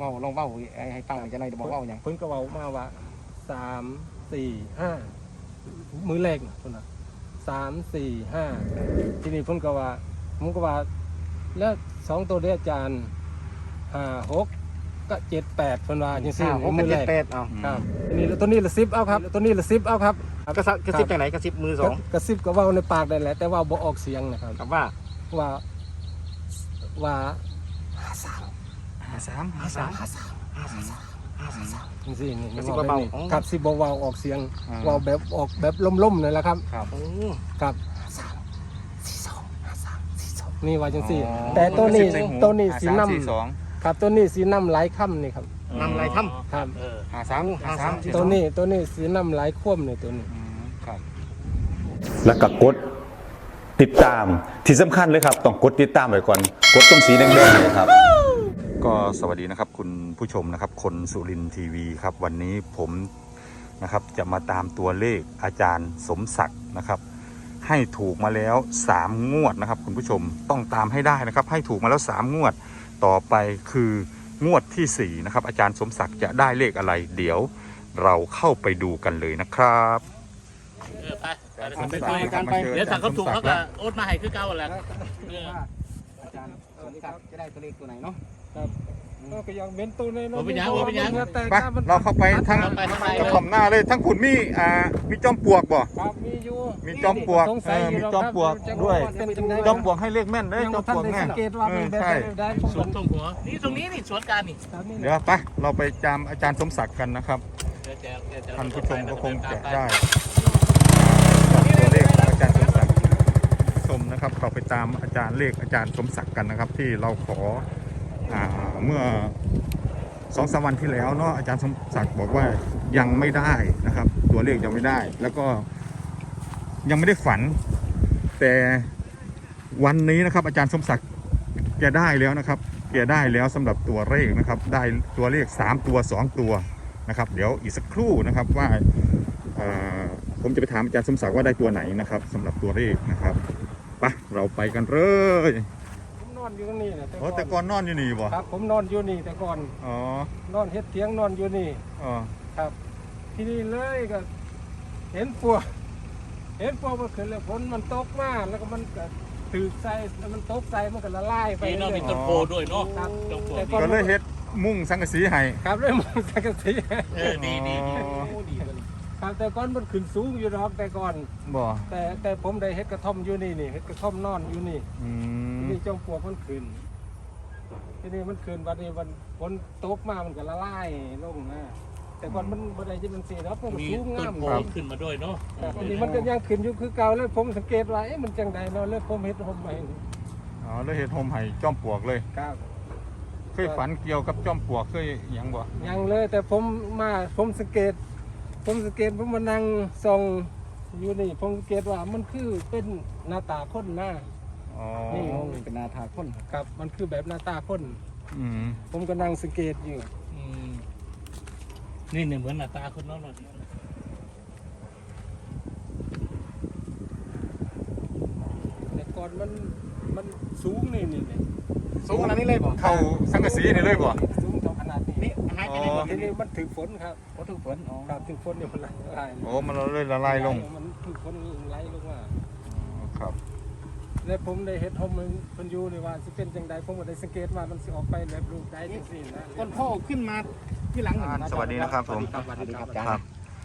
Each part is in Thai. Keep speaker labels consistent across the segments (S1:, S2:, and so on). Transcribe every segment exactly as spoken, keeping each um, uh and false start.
S1: เว้าลองเว้าให้ฟังจะหน่อยบอกเว้าหยัง
S2: เพิ่นก็เว้ามาว่าสามสี่ห้ามือแรกน่ะเพิ่นน่ะสามสี่ห้าทีนี้เพิ่นก็ว่าผมก็ว่าแล้วสองตัวเด้อาจารย์ห้าหกก็เจ็ดแปดเพิ่นว่าจังซี่มือแรก
S1: เอา
S2: ครับทีนี้ตัวนี้ละสิบเอาครับตัวนี้ละสิบเอาครับ
S1: กระกระซิบจังไหนกระซิบมือสอง
S2: กระซิบก็เว้าในปากได้แหละแต่ว่าบ่ออกเสียงนะครับ
S1: ครับว่า
S2: ว่าว่า
S1: ห้าสามห้าสามห้าสามห้าสามห้าสามห้าสาม
S2: จังซี่นี่
S1: สิบ่เบา
S2: ครับสิบ่เว้าออกเสียงเว้าแบบออกแบบล่มๆนั่นแหละครับ
S1: ครับโอ้
S2: ครับ
S1: ห้าสามสี่สองห้าสามสี่สอง
S2: นี่ว่าจังซี่แต่ตัวนี้ตัวนี้สีน้ำครับตัวนี้สีน้ำหลายค่ำนี่ครับ
S1: น้ำหลายค่ำ
S2: ครับ
S1: ห้าสามห้าสาม
S2: ตัวนี้ตัวนี้สีน้ำหลายคว่ำนี่ตัวนี้
S1: ครับ
S3: แล้วก็กดติดตามที่สำคัญเลยครับต้องกดติดตามไว้ก่อนกดตรงสีแดงๆเลยครับ
S4: ก็สวัสดีนะครับคุณผู้ชมนะครับคนสุรินทร์ทีวีครับวันนี้ผมนะครับจะมาตามตัวเลขอาจารย์สมศักดิ์นะครับให้ถูกมาแล้วสามงวดนะครับคุณผู้ชมต้องตามให้ได้นะครับให้ถูกมาแล้วสามงวดต่อไปคืองวดที่สี่นะครับอาจารย์สมศักดิ์จะได้เลขอะไรเดี๋ยวเราเข้าไปดูกันเลยนะครับ
S5: ไปไปกันไปเดี๋ยวถ้าเขาถูกเขาก็โอ๊ตมาให้คือเก่าแหละ
S1: อาจารย์สมศักดิ์จะได้ตัวเลขตัวไหนเนาะ
S2: ครับก็ยังเว้นตัวน้อยๆ
S5: เป็นยังเป็นยัง
S4: ไปเราเข้าไปทั้งกระถ่อมหน้าเลยทั้งขุนมีอ่ามีจอมปลวกบ่
S2: ครับมีอยู่
S4: มีจอมปลวกเออมีจอมปลวกด้วยจอมปลวกให้เลขแม่นเลยจอมปลวกแม่
S2: ใช่
S5: สวนตรงหัวนี่ตรงนี้นี่สวนการนี่
S4: เดี๋ยวไปเราไปจำอาจารย์สมศักดิ์กันนะครับท่านผู้ชมก็คงจะได้ตัวเลขอาจารย์สมศักดิ์ชมนะครับเราไปตามอาจารย์เลขอาจารย์สมศักดิ์กันนะครับที่เราขอเมื่อสองสามวันที่แล้วเนาะอาจารย์สมศักดิ์บอกว่ายังไม่ได้นะครับตัวเลขยังไม่ได้แล้วก็ยังไม่ได้ฝันแต่วันนี้นะครับอาจารย์สมศักดิ์แกได้แล้วนะครับแกได้แล้วสำหรับตัวเลขนะครับได้ตัวเลขสามตัวสองตัวนะครับเดี๋ยวอีกสักครู่นะครับว่าผมจะไปถามอาจารย์สมศักดิ์ว่าได้ตัวไหนนะครับสำหรับตัวเลขนะครับไปเราไปกันเลย
S2: นอนอยู่ตรงนี้นะ
S4: แต่ก่อนแต่ก่อนนอนอยู่นี่บ่
S2: ครับผมนอนอยู่นี่แต่ก่อน
S4: อ๋อน
S2: อนเฮ็ดเถียงนอนอยู่นี่
S4: อ๋อ
S2: ครับที่นี่เลยก็เห็นปวกเห็นปวกมันขึ้นแล้วฝนมันตกมาแล้วก็มันก็ตื่นใส่แล้วมันตกใส่มันก็ละลายไป
S5: เลยมีต้นโพด้วยเนาะ
S4: ก็เลยเฮ็ดมุ้งสังกะสีให้
S2: ครับเลยมุ้งสังกะสี
S5: เออดีดีดี
S2: ครับแต่ก่อนมันขึ้นสูงอยู่หรอกแต่ก่อน
S4: บ่
S2: แต่แต่ผมได้เฮ็ดกระท่อมอยู่นี่นี่เฮ็ดกระท่อมนอนอยู่นี่
S4: อืม
S2: นี่จอมปลวกมันขึ้นทีนี้มันขึ้นวันนี้วันฝนตกมามันก็ละลายลงนะแต่ก่อนมันบ่ได้จะมันสิครับมันสูงงาม
S5: ครับขึ้นมาด้วยเนาะ
S2: อันนี้มันก็ยังขึ้นอยู่คือเก่าแล้วผมสังเกตว่าเอ๊ะมันจังไดเนาะเลยผมเฮ็ดห่มใหม่
S4: อ๋อเลยเฮ็ดห่มให้จอมปลวกเลย
S2: ครับ
S4: เคยฝันเกี่ยวกับจอมปลวกเคยหยังบ่
S2: ยังเลยแต่ผมมาผมสังเกตผมสังเกตผมมานั่งส่องอยู่นี่ผมสังเกตว่ามันคือเป็นหน้าตาคนหน้า
S4: อ๋อ
S2: นี่
S1: เป็นหน้าตาคน
S2: ครับมันคือแบบหน้าตาคน
S4: อืม
S2: ผมก็นั่งสังเกตอยู่
S5: อืมนี่เนี่ยเหมือนหน้าตาคนน้องเลย
S2: แต่ก่อนมันมันสูงนี่นี่
S1: สูงขนาดนี้เลยบ่
S4: เข้าสังกะสีนี่เลยบ่
S2: สูงเท่าขนาดนี้
S1: นี่หายไปไหน
S2: ทีนี้มันถึงฝนครับ
S1: โอ้ถึงฝนอ๋อ
S2: ครับถึงฝนเนี่ยมันละลาย
S4: โอ้มันเลยละลายลง
S2: มันถึงฝนไหลลงมา
S4: ครับ
S2: แล้วผมได้เห็นห่มมันอยู่เลยว่าสิเป็นจังใดผมก็ได้สังเกตว่ามันสิออกไปแบบรูปใดจังซี่นะ
S1: ต้นโพขึ้นมาที่หลัง
S4: สวัสดีนะครับผม
S1: สวัสดีครับอาจารย์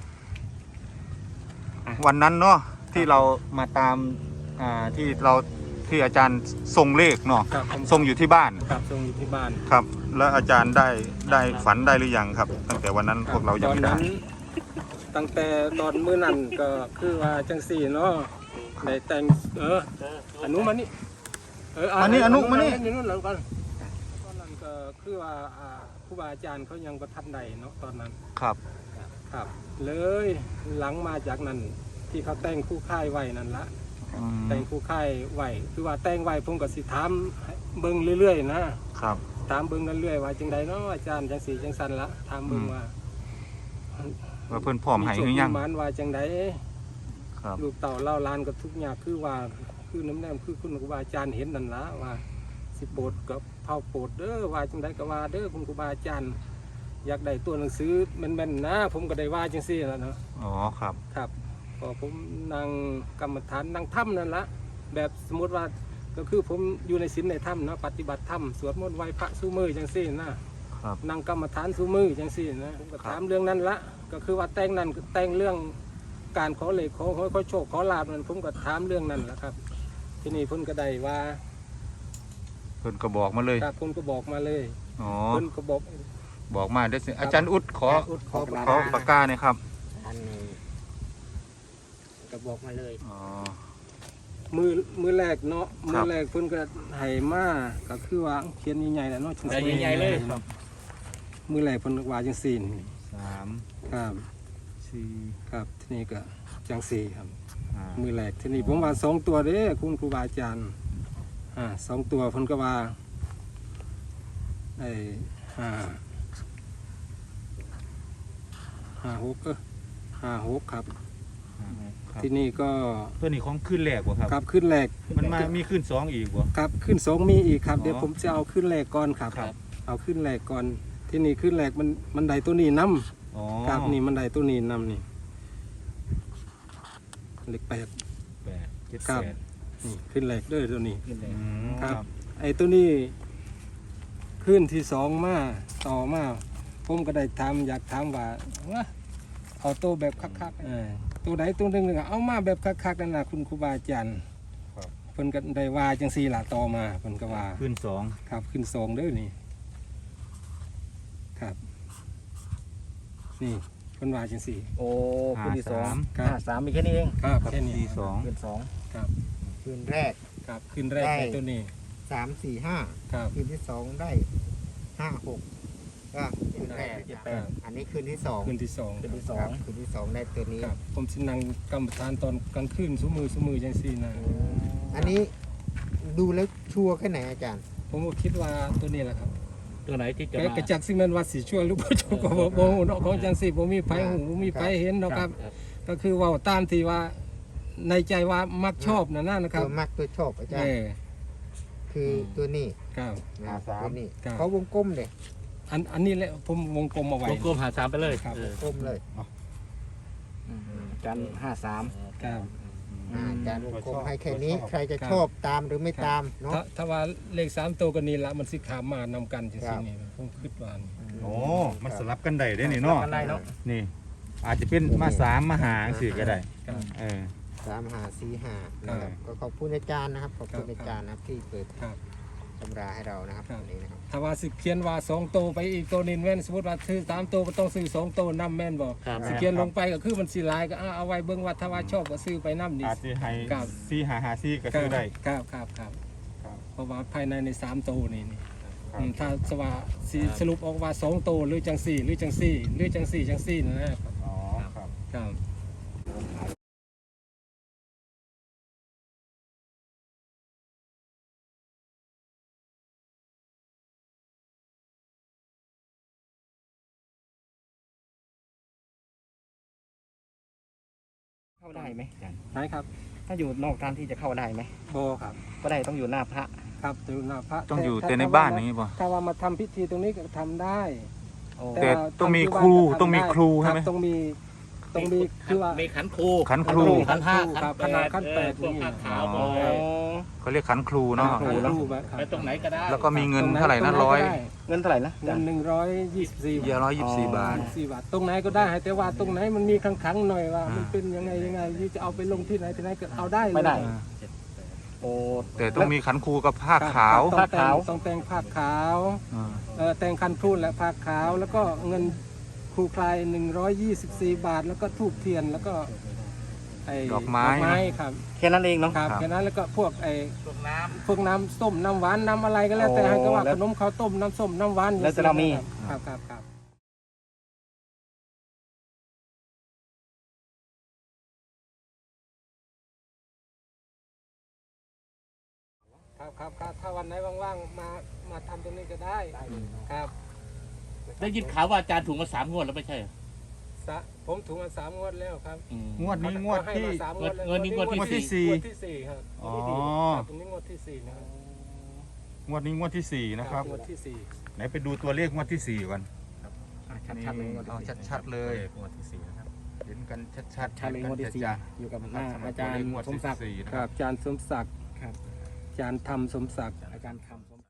S4: วันนั้นเนาะที่เรามาตามอ่าที่เราที่อาจารย์ทรงเลขเนาะทรงอยู่ที่บ้าน
S2: ครับทรงอยู่ที่บ้าน
S4: ครับแล้วอาจารย์ได้ได้ฝันได้หรือยังครับตั้งแต่วันนั้นพวกเรายังไม่ได้
S2: ตั้งแต่ตอนมื้อนั้นก็คือว่าจังซี่เนาะได้แต่งเอออนุมานี่
S4: เอออันนี้อนุมานี่
S2: นี่นู่นแล้วกันตอนนั้นก็คือว่าครูบาอาจารย์เขายังบ่ทันได้เนาะตอนนั้น
S4: ครับ
S2: ครับเลยหลังมาจากนั้นที่เขาแต่งคู่ค่ายไว้นั่นละแต่งคู่ค่ายไว้คือว่าแต่งไว้ผมก็สิถามเบิ่งเรื่อยๆนะครับถามเบิ่งเรื่อยๆว่าจังใดเนาะอาจารย์จังสีจังสันละถามเบิ่งว่า
S4: ว่าเพิ่นพร้อมให้หรือยัง
S2: มันว่าจังใดลูกเต่าเล่าลานกับทุกอย่างคือว่าคือน้ำแนมคือคุณครูบาอาจารย์เห็นนั่นละว่าสิโปรดกับเผาโปรดเด้อว่าจังไดก็ว่าเด้อคุณครูบาอาจารย์อยากได้ตัวหนังสือแม่นๆนะผมก็ได้ว่าจังซี่แล้วเนาะ
S4: อ๋อครับ
S2: ครับพอผมนั่งกรรมฐานนั่งถ้ำนั่นละแบบสมมติว่าก็คือผมอยู่ในศีลในถ้ำนะปฏิบัติธรรมสวดมนต์ไหว้พระสู้มือจังซี่นะครับ นั่งกรรมฐานสู้มือจังซี่นะผมก็ถามเรื่องนั้นละก็คือว่าแต่งนั้นแต่งเรื่องการขอเลขขอขอขอโชคขอลาบนั้นผมก็ถามเรื่องนั้นแหละครับ ที่นี่เพิ่นก็ได้ว่า
S4: เพิ่นก็บอกมาเลย
S2: ครับเพิ่นก็บอกมาเลย
S4: อ๋อ
S2: เพิ่นก็บอก
S4: บอกมาเด้อสิอาจารย์อุดขอ
S2: อุดขอ
S4: ขอปากกาหน่อยครับ
S1: อันนี้ก็บอกมาเลย
S4: อ๋อ
S2: มือมือแรกเนาะ
S4: ค
S2: มื
S4: รั
S2: อบ แรกเพิ่นก็ให้มาก็คือว่าเขียนใหญ่ๆแหละเนาะ
S5: ใหญ่ใหญ่ๆเลยครับ
S2: มือแรกเพิ่นว่าจังซี่นี่
S4: สาม
S2: ครับ
S4: สี่
S2: ครับที่นี่ก็จังซี่ครับ
S4: ห้า
S2: มือแรกที่นี่ผมว่าสองตัวเด้คุณครูบาอาจารย์อ่าสองตัวเพิ่นก็ว่าไอ้ห้าห้าหกเออห้าหกครับ
S4: ครับ
S2: ที่นี่ก็
S4: ตัวนี้ของขึ้นแรกบ่ครับ
S2: ครับขึ้นแรก
S4: มันมามีขึ้นสองอีกบ่
S2: ครับขึ้นสองมีอีกครับ
S4: อ๋อ
S2: เดี๋ยวผมจะเอาขึ้นแรกก่อนครับ
S4: ครับ
S2: เอาขึ้นแรกก่อน ที่นี่ขึ้นแรกมันมันไดตัวนี้นํ
S4: อ๋อ
S2: ครับนี่มันไดตัวนี้นํนี่เลขแปด
S4: แปดเจ็ด
S2: ครับ
S4: แปด
S2: นี่ขึ้นแรกเด้อตัวนี้
S5: ขึ้นเลย
S4: อืม
S2: ครับ ไอ้ตัวนี้ขึ้นที่สองมาต่อมาผมก็ได้ถามอยากถามว่าว่าเอาตัวแบบคักๆเออตัวไหนตัวหนึ่งก็เอามาแบบคักๆนั่นน่ะคุณครูบาอาจารย์
S4: ครับ
S2: เพิ่นก็ได้ว่าจังซี่ล่ะต่อมาเพิ่นก็ว่า
S4: ขึ้นสอง
S2: ครับขึ้นสองเด้อนี่ครับ นี่เพิ่นว่าจังซี่
S1: โอ้คืนที่สอง
S2: ครั
S1: ห้า
S2: บ
S1: สามมีแค่นี้เอง
S2: ครับ
S4: กับ
S2: แค่นี้
S4: สี่สอง
S1: คืนสอง
S2: ครับ
S6: คืนแรก
S2: ครับขึ้นแรก
S6: ได้
S2: ในตัวนี้
S6: สามสี่ห้า
S2: ครับ
S6: คืนที่สองได้ห้าหกก็คืนแรก
S1: เจ็ด
S2: ค
S1: แป
S2: รั
S1: ด
S2: บ
S6: อันนี้คืนที่สอง
S2: ขึ้นที่สอง
S1: คืนที่สอ
S6: ครั
S1: ง
S6: บคืนที่สองได้ตัวนี้
S2: ครับผมสินั่งกรรมฐานตอนกลางคืนซุมือซุมือจังซี่นะ
S6: อันนี้ดูแล้วชัวร์แค่ไหนอาจารย์
S2: ผมก็คิดว่าตัวนี้แหละครับ
S5: ตัวไหนที่จะ
S2: แก
S5: มาก
S2: ระจักสิแม่นว่าสิช่วยหรือบ่ช่วยก็บ่บ่ฮู้เนาะของจังซี่บ่มีไผหูบ่มีไผเห็นเนาะครับ ก็คือเว้าตามที่ว่าในใจว่ามักชอบนั่นนะนะครับ
S6: ตัวมักตัวชอบอาจาร
S2: เอ
S6: ย์
S2: อ
S6: คือตัวนี้
S2: ครับ
S6: นะตัวนี้
S2: ครับ
S6: เขาวงกลมเลย
S2: อันอันนี้แหละผมวงกลมเอาไว้
S5: วงกลมหาสามไปเลย
S2: ครับ
S5: เออ
S6: กลมเลย
S1: จันห้าสาม
S2: ครับ
S6: อ่าอาจารย์วงกลมให้แค่นี้
S4: ชอบ
S6: ใครจะ
S2: ครับ
S6: ชอบตามหรือไม่ตามเนาะ
S2: ถ้าถ้าว่าเลขสามตัวก็นี่ละมันสิขามมานำกันจัง
S6: ครั
S2: ซี่
S6: บ
S2: นี่ผมคิดว่านี่
S4: โอ้มันสลับกันได้เด้นี่เนาะ
S1: กันได้เนาะ
S4: นี่ อาจจะเป็นมาสามมาหาสี่ก็ได้
S2: ครับ
S4: เออ
S6: สามหาสี่หา
S2: ครับ
S6: นะครับก็ขอบคุณอาจารย์นะครับขอบคุณ
S2: ครับ
S6: อาจารย์นะครับที่เปิด
S2: ครับ
S6: ตำราให้เรานะครับ
S2: ครับ
S6: วันนี้นะครับ
S2: ถ้าว่าสิเขียนว่าสองตัวไปอีกตัวหนึงแม่นสมมุติว่าซื้อสามตัวก็ต้องซื้อสองตัวนํแม่นบ่
S5: ครับ
S2: สิเขียนลงไปก็คือมันสิหลายก็เอาเอาไว้เบิ่งว่าถ้าว่าชอบก็ซื้อไปนํนี่
S4: อาจจะให้
S2: ครับ
S4: สี่หาหาสี่ก็ซื้อได้
S2: ครับครับครับ
S4: ครับ
S2: เพราะว่าภายในในสามตัวนี่นี่
S4: ครับ
S2: อืมถ้าสว่าสิสรุปออกว่าสองตัวหรือจังสี่หรือจังสี่หรือจังสี่จังสี่นั่นนะครับ
S4: อ๋อครับ
S2: ครับ
S1: เข้าได้ไหมอาจารย์
S2: ไหนครับ
S1: ถ้าอยู่นอกการที่จะเข้าได้ไหม
S2: โบครับ
S1: ก็ได้ต้องอยู่หน้าพระ
S2: ครับอยู่หน้าพระ
S4: ต้องอยู่
S2: ถ้
S4: แต่ใน
S2: ถ้
S4: บ้าน
S2: ว่
S4: อย่างนี้ป่ะ
S2: ถ้าว่ามาทำพิธีตรงนี้ก็ทำได้
S1: โอ้
S4: แต่
S2: ว่า
S4: ต้องมี
S2: ทำที่
S4: ครู
S2: บ้านก็ทำ
S4: ต้องมี
S2: ได้
S4: ครูใช่ไหม
S2: บต้องมีต้องมีคือว่า
S5: มีขันครู
S4: ขันครู
S5: ขันห้า
S2: ครับ
S5: ขันแปด
S2: ขันแปด
S5: เออพวก
S2: นี่
S5: ผ้าขาว
S4: อ๋อ
S5: เออ
S4: เขาเรียกขันครูเนาะ
S2: ครูเนาะครับ
S5: ไปตรงไหนก็ได้
S4: แล้วก็มีเงิน
S2: ตงไห
S4: เท่าไหร่นะ
S2: ตง
S4: ร้อย
S2: ก็ได้
S1: เงินเท่าไหร่นะอา
S2: เงิ
S1: จาร
S2: น
S1: ย์
S2: หนึ่งร้อยยี่สิบสี่
S4: เยอะร้อยยี่สิบสี่บาท
S2: สี่บาทตรงไหนก็ได้แต่ว่าตรงไหนมันมีขังๆหน่อยว่า มันเป็นยังไงยังไงที่จะเอาไปลงที่ไหนที่ไหนก็เอาได้เลย
S1: ไม่ได้ โอ้
S4: แต่ต้องมีขันครูกับผ้าขาว
S2: ต้องแต่ง
S1: ผ้าขาว
S2: ต้องแต่งผ้าขาว
S4: อ่า
S2: เออแต่งคันทูนและผ้าขาว แล้วก็เงินครูคลายหนึ่งร้อยยี่สิบสี่บาท แล้วก็ทูบเทียนแล้วก็ไอ้
S4: ดอกไม้
S2: ดอกไม้ครับ
S1: แค่นั้นเองเนาะ
S2: ครับ
S4: ครับ
S2: แค่นั้นแล้วก็พวกไอ้
S5: ตรงน้
S2: พวกน้ำส้มน้ำหวานน้ำอะไรก็แล้วแต่
S1: โอ้
S2: ให้ก็ว่า
S1: แล้ว
S2: ขนมข้าวต้มน้ำส้มน้ำหวาน
S1: แล้วแต่เรามี
S2: ครับครับครับครับครับครับถ้าวันไหนว่างๆมามาทำตรงนี้ก็ได้ครับ
S5: ำได้ยินข่าวว่าอาจารย์ถูกมาสามงวดแล้วไม่ใช่เหรอ
S2: สะผมถูกมาสามงวดแล้วครับ
S5: อืม
S4: งวดนี้งวด
S2: เขาให้
S4: ที่
S2: มาสามงวดแล้ว
S5: งวดนี้งวดที่
S4: สี่
S2: งวดที่สี่ครับ
S4: อ๋อ
S2: ครับตรงนี้งวดที่สี่นะครับ
S4: งวดนี้งวดที่สี่นะครับ
S2: งวดที่สี่
S4: ไหนไปดูตัวเลขงวดที่สี่ก่อน
S1: ชัดๆเลยงวด
S4: เอา
S1: ที่สี่
S4: ชัดๆเลย
S1: งวดที่สี่นะครับ
S4: เห็นกันชัดๆ
S1: ชัดเลยงวดที่สี่
S4: จะ
S1: อยู่กับ
S4: ๆ
S1: หน้า
S4: สำหบ
S1: อาจารย์
S4: ตัวเลขงวด
S1: สมศักดิ์
S4: ที่สี่นะ
S2: ค
S4: ค
S2: รั
S4: รั
S2: บบ อาจารย์สมศักดิ์
S1: ครับ
S2: อาจารย์ธรรมสมศักดิ์
S1: อาจารย์คำสม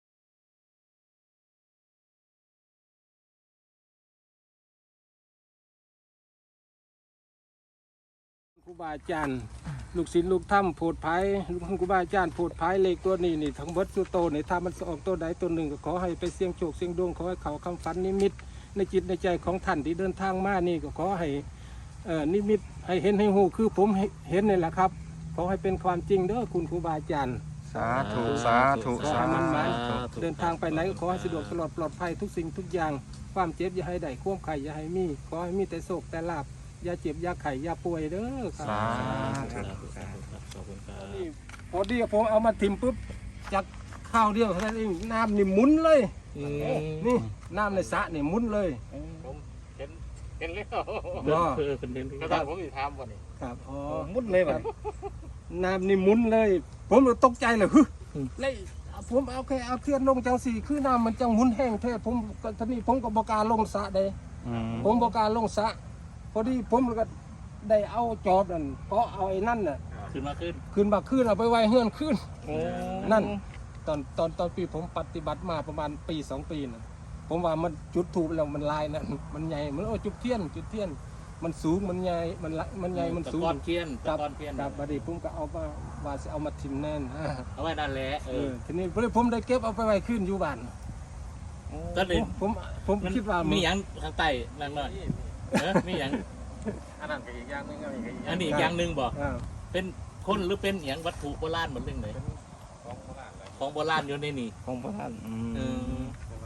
S2: ครูบาอาจารย์ลูกศิษย์ลูกถ้ำโพดภัยลูกครูบาอาจารย์โพดภัยเลขตัวนี้นี่ทั้งเบิดสุโตนี่ถ้ามันออกตัวใดตัวหนึ่งก็ขอให้ไปเสี่ยงโชคเสี่ยงดวงขอให้เขาคำฝันนิมิตในจิตในใจของท่านที่เดินทางมานี่ก็ขอให้เอ่อนิมิตให้เห็นให้หูคือผมเห็นนี่แหละครับขอให้เป็นความจริงเด้อคุณครูบาอาจารย์
S4: สาธุสาธุ
S2: ขอ
S4: สา
S2: ให้มันหมาย
S4: ธุ
S2: เดินทางไปไหนก็ขอให้สะดวกตลอดปลอดภัยทุกสิ่งทุกอย่างความเจ็บอย่าให้ได้ความไข่อย่าให้มีขอให้มีแต่โศกแต่ลาบอย่าเจ็บอย่าไข่อย่าป่วยเด้อครับ
S4: สา
S5: ค
S4: ธุ
S5: รับขอบคุณครับ
S2: นี่พอดีผมเอามาทิมปุ๊บจากข้าวเดียวเท่านั้นเองน้ำนี่หมุนเลย นี่น้ำในสระนี่หมุนเลย
S5: ผมเห็นเห็นแล้ว
S2: อ๋อ
S5: เออเป็นเห็นก็ได้ผมอีกถามก่อนนี่
S2: ครับอ๋อ
S1: มุดเลยแบบ
S2: น้ำนี่หมุนเลย ผมเลยตกใจเลยฮึเลยผมเอาแค่เอาเทียนลงจังสี่คือน้ำมันจังหมุนแห้งแท้ผมก็ทีนี้ผมก็บอกการลงสระเด้
S4: อืม
S2: ผมบอกการลงสระพอดีผมก็ได้เอาจอบนั่นเพราะเอาไอ้นั่นน่ะ
S5: ขึ้นมาขึ้น
S2: ขึ้นมาขึ้นเอาไปไว้เฮือนขึ้น
S1: โอ้
S2: นั่นตอนตอนตอนปีผมปฏิบัติมาประมาณปีสองปีนะผมว่ามันจุดถูกแล้วมันลายนะมันใหญ่มันโอ้จุดเทียนจุดเทียน มันสูงมันใหญ่มันละมันใหญ่มันสูง
S5: ตะกอนเทียน
S2: ครั
S5: ตะ
S2: บ
S5: กอนเทียน
S2: ครับบัดนี้ผมก็เอามาว่าจะเอามาทิมแน่น
S5: เอาไว้นั่นแหละเอ
S2: เอ
S5: อ
S2: อทีนี้ผมได้เก็บเอาไปไว้ขึ้นอยู่บ้าน
S5: ตอนนี้
S2: ผมผมผมคิดว่า
S5: มี
S2: มี
S5: อย่างทางใต้นั่นหน่อยเออมีอย่าง
S1: อันนั้นก็อีกอย่างหนึงก็อีกอย่าง
S5: อันนี้อีกอย่างหนึ่งบอก
S2: อ่า
S5: เป็นคนหรือเป็นอย่างวัตถุโบราณเหมือนเรื่องไหนของโบราณอยู่ในนี่
S1: ของพระท่าน
S5: เออ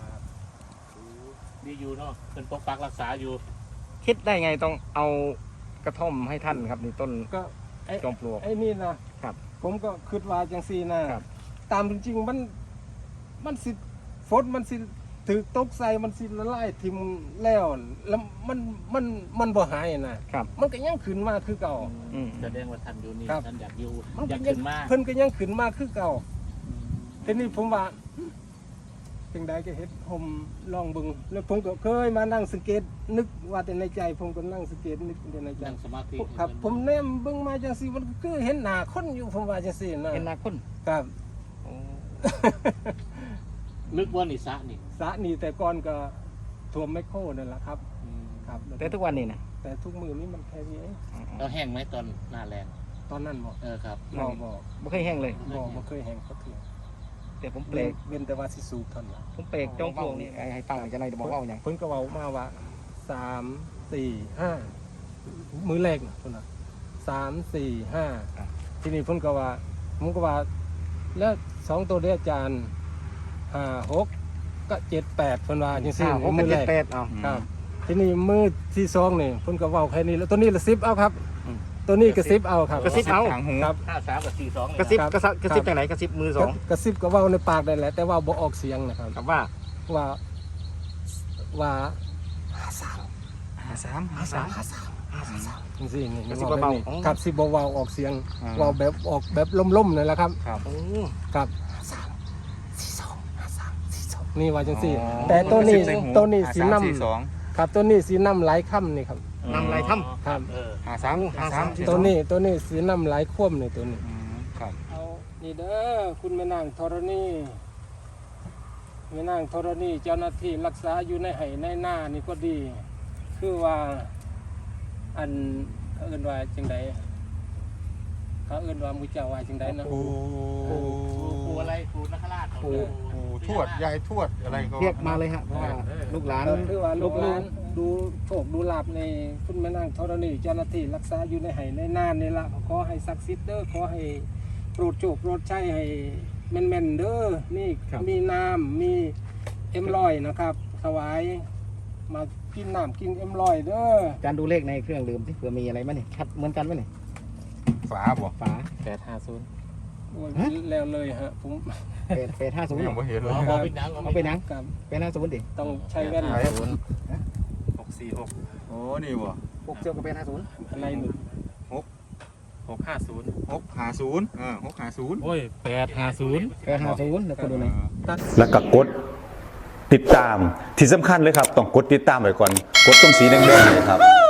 S5: ดีอยู่เนาะเป็นปกปักรักษาอยู่
S1: คิดได้ไงต้องเอากระท่อมให้ท่านครับนี่ต้น
S2: ก็ไอ้
S1: จอมปลวก
S2: ไอ้นี่นะครับ ผมก็คิดว่าจังซี่นะครับ ตามจริงๆมันมันสิฝนมันสิถือตกใส่มันสิละลายทิมแล้วแล้วมันมันมันบ่หายนะครับ มันก็ยังขึ้นมาคือเก่า
S1: อืม
S5: แสดงว่าท่านอยู่นี่
S2: ครับ
S5: ท่านอยากอยู่
S2: มัน
S5: อยาก
S2: ก็ยั
S5: ขึ้นมา
S2: เพิ่นก็ยังขึ้นมาคือเก่าทีนี้ผมว่าจังใดก็เฮ็ดผมลองเบิ่งแล้วผมก็เคยมานั่งสังเกตนึกว่าแต่ในใจ ผมก็นั่งสังเกตนึกแต่ในใจ
S5: นั่งสมาธิ
S2: ครับ ผมแนมเบิ่งมาจังซี่มันก็คือเห็นหน้าคนอยู่ผมว่าจังซี่นะ
S1: เป็นนาคน
S2: ครับ
S1: โอ้
S5: นึกว่านี่สระนี่
S2: สระนี่แต่ก่อนก็ท่วมไมโครนั่นแหละครับครับ
S1: แต่ทุกวันนี้นะ
S2: แต่ทุกมือนี้มันแค่นี้เอง
S5: เราแห้งไหมตอนหน้าแรง
S2: ตอนนั้นบ่
S5: เออครับ
S2: บ่บ่
S1: ไม่เคยแห้งเลย
S2: บ่บ่เคยแห้งก็ถือ
S1: แต่ผมเปล
S2: เว้น
S1: ก
S2: เว้นแต่ว่าสิสูบเท่านั้นล่ะ
S1: ผมเปลกจอมปลวกนี่ไอ้ให้ฟังจะไหนจะบอกว่าอย่าง
S2: เพิ่นก็เว้ามาว่าสามสี่ห้ามือแรกน่ะเพิ่นน่ะสามสี่ห้าทีนี้เพิ่นก็ว่าผมก็ว่าแล้วสองตัวเด้อาจารย์ห้าหกก็เจ็ดแปดเพิ่นว่าจังซี่
S1: อ้าวผม
S2: มื
S1: เป็น
S2: อ
S1: เจ็
S2: แร
S1: ด
S2: ก
S1: แปดเอา
S2: ครับทีนี้มือที่สองนี่เพิ่นก็เว้าแค่นี้แล้วตัวนี้ละสิบเอาครับ
S1: อืม
S2: ตัวนี้กระซิบเอาครับ
S1: กระซิบเอา
S4: ทางหู
S2: ครับ
S5: ห้าสามกับสี่สองเลย
S1: กระซิบ
S2: ครับ
S1: กระซิบกระซิบจากไหนกระซิบมือสอง
S2: กระซิบก็เว้าในปากได้แหละแต่ว่าบ่ออกเสียงนะครับ
S1: ครับว่า
S2: ว่าว่า
S1: ห้าสาม
S4: หาสามหาสาม
S1: ห้าสามห้าสาม
S2: จังซี่นี่
S1: กระซิบ
S2: ว้
S1: เบาๆ
S2: แบบนี้
S1: อ๋อ
S2: ครับสิบ่เว้าออกเสียง
S4: อ่า
S2: เว้าแบบออกแบบล่มๆนั่นแหละครับ
S1: โอ้
S2: ครับ
S1: ห้าสามสี่สองห้าสามสี่สอง
S2: นี่ว่าจังซี่
S4: อ๋อ
S2: แต่ตัวนี้
S4: กระซิบใหู
S2: ตัวนี้
S4: หา
S2: สี
S4: สาม
S2: น้
S4: สี่สอง
S2: ำครับตัวนี้สีน้ำหลายค่ำนี่ครับ
S1: นำลายถ้
S2: ครับ
S5: เออ
S4: หาสามหาสามสี่สอง
S2: ตัวนี้ตัวนี้สีน้ำหลายคว่ำนี่ตัวนี้
S4: อืมครับ
S2: เอานี่เด้อคุณแม่นางธรณีแม่นางธรณีเจ้าหน้าที่รักษาอยู่ในไห่ในหน้านี่ก็ดี คือว่าอันเขาเอิ้นว่าจังไดเขาเอิ้นว่ามุเจ้าว่าจังไดนะ
S4: ครู
S5: ครูอะไรครูนักราช
S4: ครูครูทวดยายทวดอะไรก็
S1: ำเรียกมาเลยฮะเพราะว่าลูกหลาน
S2: ก็คือว่าลูกหลานดูโชคดูลาบในคุณแม่นางธรณีเจ้าหน้าที่รักษาอยู่ในไห่ในหน้านี่ละขอให้ศักดิ์สิทธิ์เด้อขอให้โปรดโชคโปรดชัยให้แม่นๆเด้อนี่มีน้ำมีเอ็มลอยนะครับถวายมากินน้ำกินเอ็มลอยเด้อ
S1: อาจารย์ดูเลขในเครื่องลืมที่เผื่อมีอะไรไหมเนี่ยชัดเหมือนกันไหมเนี่ย
S4: ฝาบ่
S1: ฝา
S5: แปดห้าศูนย์
S2: โอ้ยแล้วเลยฮะผม
S1: แปดแปดห้าศูนย์
S4: ยังไม่เห็นเลย
S5: เอาไปนัง
S1: เอาไปหนัง
S2: กับ
S1: แปดห้าศูนย์ดิ
S2: ต้องใช้แว่น
S4: ไหน หกสี่หกโอ้นี่บ่
S1: หกเจียวกับแปดห้าศูนย์
S2: อะไรหนึ่งหกห้าศูนย์
S4: หกห้าศูนย์อ่าหกห้าศูนย์
S2: โอ้ยแปดห้าศูนย์
S1: แปดห้าศูนย์แล้วก็ดูหน่อย
S3: แล้วก็กดติดตามที่สำคัญเลยครับต้องกดติดตามไว้ก่อนกดตรงสีแดงๆเลยครับ